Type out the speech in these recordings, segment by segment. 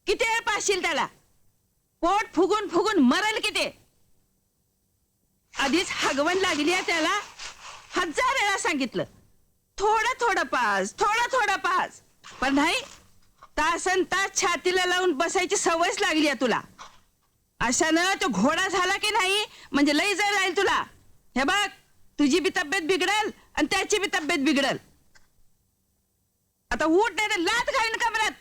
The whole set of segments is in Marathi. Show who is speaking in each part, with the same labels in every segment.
Speaker 1: किती वेळ पाहशील त्याला? पोट फुगून फुगून मरल किती. आधीच हगवण लागली आहे त्याला. 1000 वेळा सांगितलं थोडं थोडं पास, थोडं थोडं पास, पण नाही. तासन तास छातीला लावून बसायची सवयच लागली आहे तुला. अशानं तो घोडा झाला की नाही म्हणजे लई जर जाईल तुला. हे बघ, तुझी बी तब्येत बिघडल आणि त्याची बी तब्येत बिघडल. आता उठ नाही तर लात घालीन कमरात.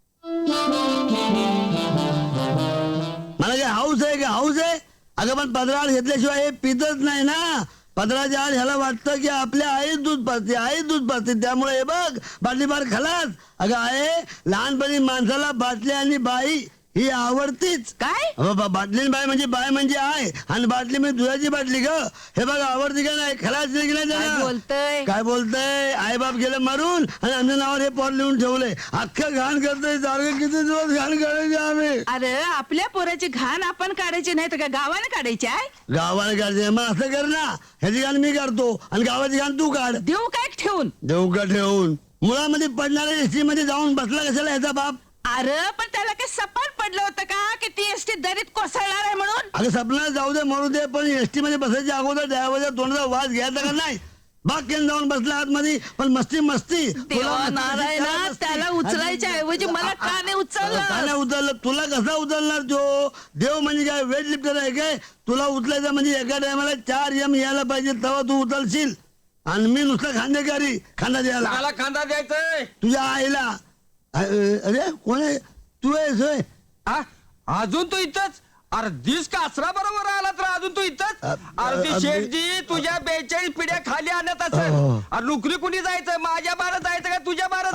Speaker 2: मला काय हाऊस आहे का? हाऊस आहे अगं, पण 15 आड घेतल्याशिवाय हे पितच नाही ना. 15च्या आड ह्याला वाटतं की आपल्या आईच दूध पाजते, आईच दूध पाजते, त्यामुळे हे बघ बाटली बार खलास. अगं आहे, लहानपणी माणसाला बाटली आणि बाई ही आवडतीच.
Speaker 1: काय?
Speaker 2: बाटली बाय म्हणजे आहे, आणि बाटली म्हणजे दुधाची बाटली ग. हे बघ आवडती का नाही? खलास नाही की नाही
Speaker 1: काय
Speaker 2: त्याला?
Speaker 1: बोलतय?
Speaker 2: काय बोलतय? आई बाप गेलं मारून आणि आमच्या नावावर हे पॉट लिहून ठेवलंय. अख्खं घाण करतोय सारखं. किती दिवस घाण काढायचे आम्ही?
Speaker 1: अरे आपल्या पोराची घाण आपण काढायची नाही तर का गावाने काढायची आहे?
Speaker 2: गावाला काढते मग असं कर ना, ह्याची घाण मी काढतो आणि गावाची घाण तू काढ.
Speaker 1: देऊ काय ठेवून?
Speaker 2: देऊ का ठेवून? मुळामध्ये पडणाऱ्या एसटी मध्ये जाऊन बसला कशाला ह्याचा बाप?
Speaker 1: अरे पण त्याला काही सपाट पडलं होतं का की ती एसटी दरीत कोसळणार आहे म्हणून?
Speaker 2: अगं सपना जाऊ दे मरू दे, पण एसटी मध्ये बसायच्या अगोदर ड्रायव्हरच्या तोंडाचा वास घ्यायचा का नाही? बाग केन जाऊन बसला आतमध्ये, पण मस्ती मस्ती.
Speaker 1: देवा नारायणा, त्याला उचलायच्या ऐवजी मला का नाही उचललं?
Speaker 2: का नाही उचललं? तुला कसा उचलणार तो? देव म्हणजे काय वेट लिफ्टर आहे काय? तुला उचलायचं म्हणजे एका टायमाला 4 M यायला पाहिजे, तेव्हा तू उचलशील. आणि मी नुसतं खांदेकारी, खांदा द्यायला.
Speaker 3: मला खांदा द्यायचंय
Speaker 2: तुझ्या आईला. अरे कोण आहे? तू आहेस होय?
Speaker 3: आ? अजून तू इथंच? अरे दिस कासरा बरोबर आला तर अजून तू इथंच? अरे ती शेठजी तुझ्या 42 पिढ्या खाली आणत असेल. अरे नोकरी कुणी जायचं? माझ्या बारा जायचं का तुझ्या बारा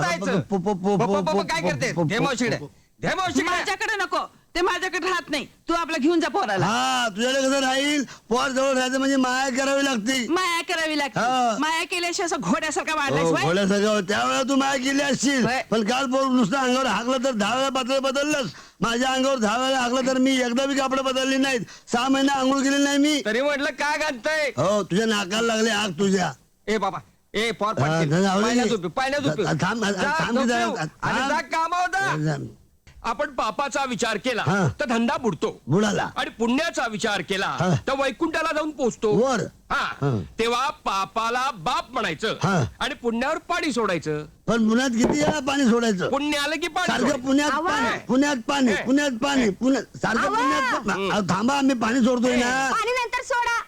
Speaker 3: जायचं? काय करते? धे मावशीकडे, धे मावशीकडे.
Speaker 1: माझ्याकडे नको, ते माझ्याकडे राहत नाही. तू आपला घेऊन जा पोराला.
Speaker 2: हा तुझ्याकडे कसं राहील? पोर जवळ राहायचं म्हणजे माया करावी लागते.
Speaker 1: माया करावी
Speaker 2: हा.
Speaker 1: लागते. माया केल्याशिवाय असं घोड्यासारखा वाढलाय.
Speaker 2: घोड्यासारखं त्यावेळेला तू माया केली असशील.
Speaker 1: होय.
Speaker 2: पण काल पोर नुसतं अंगावर हाकलं तर 10 वेळा पातळ बदललंस. माझ्या अंगावर 10 वेळा हाकलं तर मी एकदा बी कापड बदलली नाहीत. 6 महिने आंघोळ केली नाही मी.
Speaker 3: तरी म्हटलं काय घालतय?
Speaker 2: हो तुझ्या नाकाला लागले आग तुझ्या.
Speaker 3: ए बाबा, ए पोर
Speaker 2: हा, जाऊ दे.
Speaker 3: पाण्यात झोपी, पाण्यात झोपी.
Speaker 2: थांब,
Speaker 3: जा,
Speaker 2: थांब,
Speaker 3: झोपी.
Speaker 2: थांब.
Speaker 3: आणि जा कामावर जा.
Speaker 4: आपण पापाचा विचार केला
Speaker 2: हा.
Speaker 4: तर धंदा बुडतो,
Speaker 2: बुडाला
Speaker 4: आणि पुण्याचा विचार केला
Speaker 2: हा.
Speaker 4: तर वैकुंठाला जाऊन पोचतो.
Speaker 2: वर.
Speaker 4: हा
Speaker 2: हा.
Speaker 4: तेव्हा पापाला बाप म्हणायचं
Speaker 2: हा.
Speaker 4: आणि पुण्यावर पाणी सोडायचं.
Speaker 2: पण पुण्यात किती वेळा पाणी सोडायचं?
Speaker 4: पुण्य आलं की पाणी
Speaker 2: सारखं
Speaker 4: सोडायचं.
Speaker 2: पुण्यात
Speaker 1: आवा.
Speaker 2: पाणी, पुण्यात पाणी,
Speaker 4: हे.
Speaker 2: पुण्यात पाणी, पुण्यात सारखं
Speaker 1: आवा.
Speaker 2: पुण्यात अहो, थांबा आम्ही पाणी सोडतोय ना.
Speaker 5: पाणी नंतर सोडा.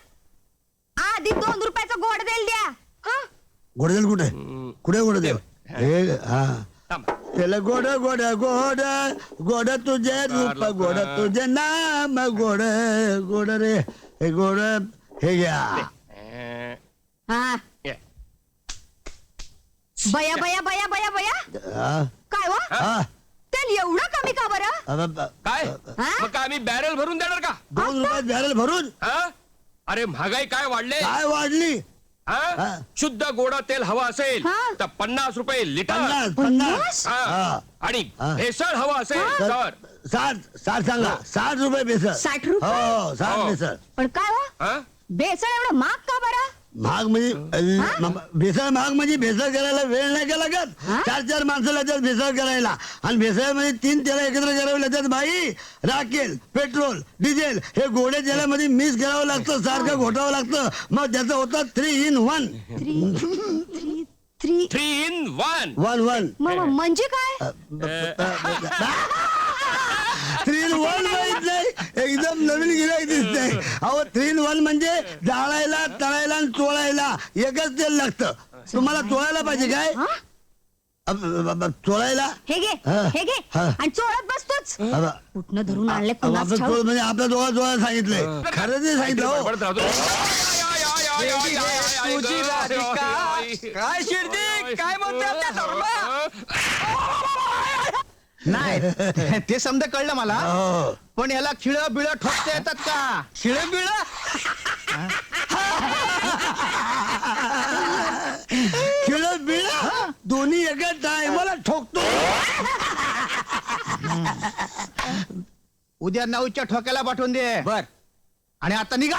Speaker 5: आधी 2 रुपयाचं गोड देल द्या. हं?
Speaker 2: घोडदेल कुठे? कुठे घोडदेल? हे हा
Speaker 4: थांबा.
Speaker 2: त्याला गोड गोड गोड गोड तुझे रूप, गोड तुझे नाम, गोड गोड रे हे गोड. हे घ्या.
Speaker 4: अं,
Speaker 5: हा.
Speaker 4: ये.
Speaker 5: बया बया बया बया बया.
Speaker 2: हा,
Speaker 5: काय वा?
Speaker 2: हा.
Speaker 5: तेल एवढं कमी का बरं?
Speaker 4: काय
Speaker 5: हा?
Speaker 4: मग काय आम्ही बॅरल भरून देणार का?
Speaker 2: 2 रुपयात बॅरल भरून?
Speaker 4: हा? अरे महागाई काय वाढले.
Speaker 2: काय वाढली?
Speaker 4: हा?
Speaker 2: हा.
Speaker 4: शुद्ध गोड तेल हवं असेल
Speaker 5: हा.
Speaker 4: तर 50 रुपये लिटर.
Speaker 2: 50.
Speaker 4: हा.
Speaker 2: हा.
Speaker 4: आणि
Speaker 2: हा.
Speaker 4: भेसळ हवं असेल तर
Speaker 2: 60 सांगा. 60 रुपये बेसळ.
Speaker 5: 60 रुपये?
Speaker 2: हो 60
Speaker 4: हो.
Speaker 2: बेसळ.
Speaker 5: पण काय वा?
Speaker 4: हा?
Speaker 5: बेसन एवढं महाग का बरं?
Speaker 2: महाग म्हणजे भेसळ महाग म्हणजे भेसळ करायला वेळ नाही का लागत. 4 माणसं लागतात भेसळ करायला, आणि भेसळ म्हणजे 3 तेला एकत्र करावे लागतात बाई. राखेल, पेट्रोल, डिझेल हे गोड्या तेलामध्ये मिक्स करावं लागतं, सारखं घोटावं लागतं. मग त्याचं होतं 3 in 1.
Speaker 4: 3 in 1.
Speaker 2: 1
Speaker 5: म्हणजे काय?
Speaker 2: 3 in 1 माहित नाही? एकदम नवीन गिराईक दिसतंय. अहो 3 in 1 म्हणजे जाळायला, तळायला आणि चोळायला एकच तेल लागतं. तुम्हाला चोळायला पाहिजे काय? चोळायला
Speaker 5: हे घे,
Speaker 2: हा.
Speaker 5: हे घे.
Speaker 2: हा.
Speaker 5: आणि चोळत बसतोच. कुठनं धरून आणले
Speaker 2: आपलं
Speaker 5: कुणास ठाऊक.
Speaker 2: चोळ म्हणजे आपल्या दोघांना सांगितलंय. खरं ते सांगितलं हो.
Speaker 4: बडबडत राहतो.
Speaker 3: तुझी राधिका. काय शिर्डी काय म्हणते आपल्या धर्मा?
Speaker 6: नाही ते समजा कळलं मला,
Speaker 2: हो.
Speaker 6: पण याला खिळ बिळ ठोकता येतात का?
Speaker 3: शिळ बिळ?
Speaker 2: खिळ बिळ दोन्ही एका टायमाला ठोकतो.
Speaker 6: उद्या 9च्या ठोक्याला पाठवून दे.
Speaker 3: बर.
Speaker 6: आणि आता निघा.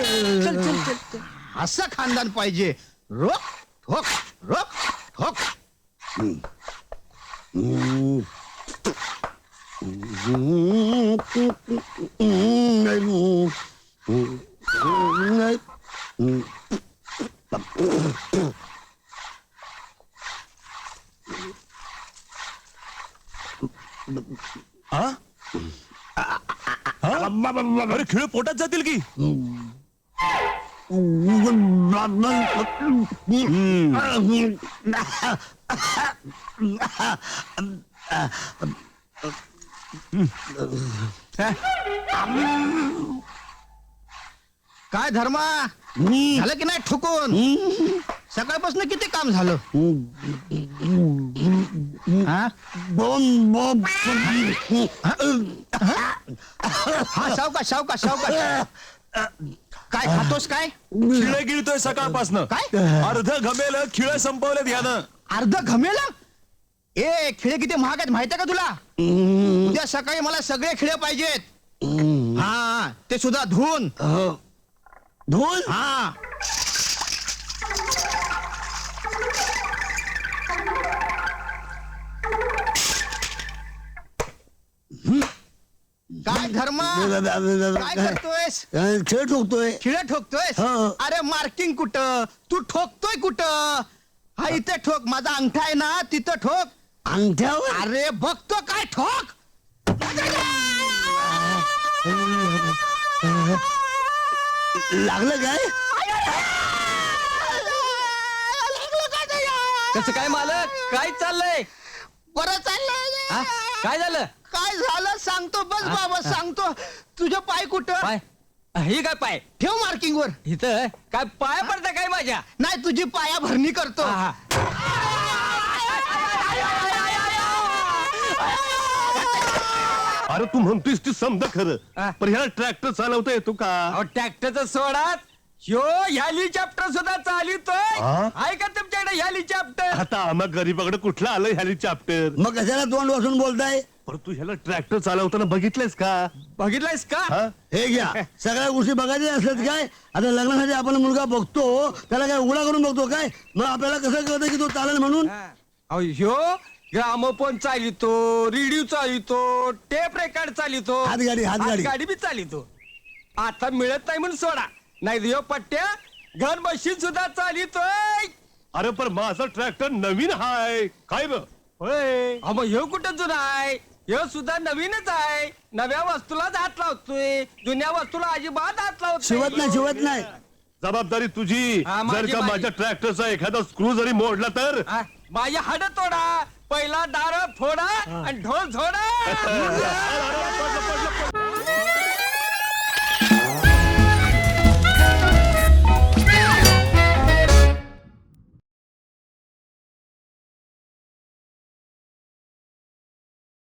Speaker 6: असं खानदान पाहिजे. रोक ठोक, रोक ठोक.
Speaker 7: अरे खिळ पोटात जातील की
Speaker 6: काय धर्मा झालं की नाही ठुकून सकाळपासून किती काम झालं हा? हा सावकाश सावकाश सावकाश काय खातोस काय
Speaker 7: खिळे गिळतोय सकाळपासनं
Speaker 6: काय?
Speaker 7: अर्ध घमेल खिळे संपवलेत यानं
Speaker 6: अर्ध घमेला ए खिळे किती महाग आहेत माहितीये का तुला उद्या सकाळी मला सगळे खिळे पाहिजेत हा ते सुद्धा धुवून
Speaker 2: धुवून
Speaker 6: हा काय धर्मा काय करतोयस
Speaker 2: खेळ ठोकतोय
Speaker 6: खिळे ठोकतोयस
Speaker 2: हो.
Speaker 6: अरे मार्किंग कुठं तू ठोकतोय कुठं हा इथे ठोक माझा अंगठा आहे ना तिथं ठोक
Speaker 2: अंगठ्यावर
Speaker 6: अरे बघतो काय ठोक
Speaker 2: लागलं काय
Speaker 3: कसं काय मालक काय चाललंय
Speaker 6: बरं
Speaker 3: हा?
Speaker 6: चाललंय
Speaker 3: काय झालं
Speaker 6: काय झालं सांगतो बस बाबा सांगतो तुझं पाय कुठं
Speaker 3: पाय ही काय पाय
Speaker 6: ठेव मार्किंग वर
Speaker 3: इथं काय पाय पडतं काय माझ्या
Speaker 6: नाही तुझी पाया भरणी करतो
Speaker 3: हा,
Speaker 7: अरे तू म्हणतोयस ती समजा
Speaker 3: हा.
Speaker 7: खरं पण ह्याला ट्रॅक्टर चालवता येतो का
Speaker 3: अहो ट्रॅक्टरचं सोडात ह्यो हेलिकॉप्टर सुद्धा चालितोय
Speaker 7: हा?
Speaker 3: आहे का तुमच्याकडे हेलिकॉप्टर
Speaker 7: आता आम्हा गरीबाकडे कुठलं आलं हेलिकॉप्टर
Speaker 2: मग कशाला तोंड वासून बोलताय
Speaker 7: पण तू ह्याला ट्रॅक्टर चालवताना बघितलंयस का
Speaker 3: बघितलंयस का
Speaker 7: हा?
Speaker 2: हे घ्या सगळ्या गोष्टी बघायच्या असल्यात काय आता लग्नासाठी आपण मुलगा बघतो त्याला काय उघडा करून बघतो काय मग आपल्याला कसं कळतं की तो चालेल म्हणून
Speaker 3: अहो ह्यो ग्रामोफोन चालितो रेडिओ चालितो टेप रेकॉर्ड चालितो
Speaker 2: हातगाडी.
Speaker 3: गाडी बी चालितो आता मिळत नाही म्हणून सोडा नाही ह्यो पट्ट्या घर मशीन सुद्धा चालितोय
Speaker 7: अरे पण माझा ट्रॅक्टर नवीन हाय काय ब
Speaker 3: होय अहो, मग ह्यो कुठं जुना आहे ह्यो सुद्धा नवीनच आहे नव्या वस्तूलाच हात लावतोय जुन्या वस्तूला अजिबात हात लावत
Speaker 2: शिवत नाही
Speaker 7: जबाबदारी तुझी
Speaker 3: हा, माझी,
Speaker 7: जर का
Speaker 3: माझी.
Speaker 7: माझ्या ट्रॅक्टरचा एखादा स्क्रू जरी मोडला तर
Speaker 3: हा, माझी हाड तोडा पहिला दार फोडा आणि ढोल झोडा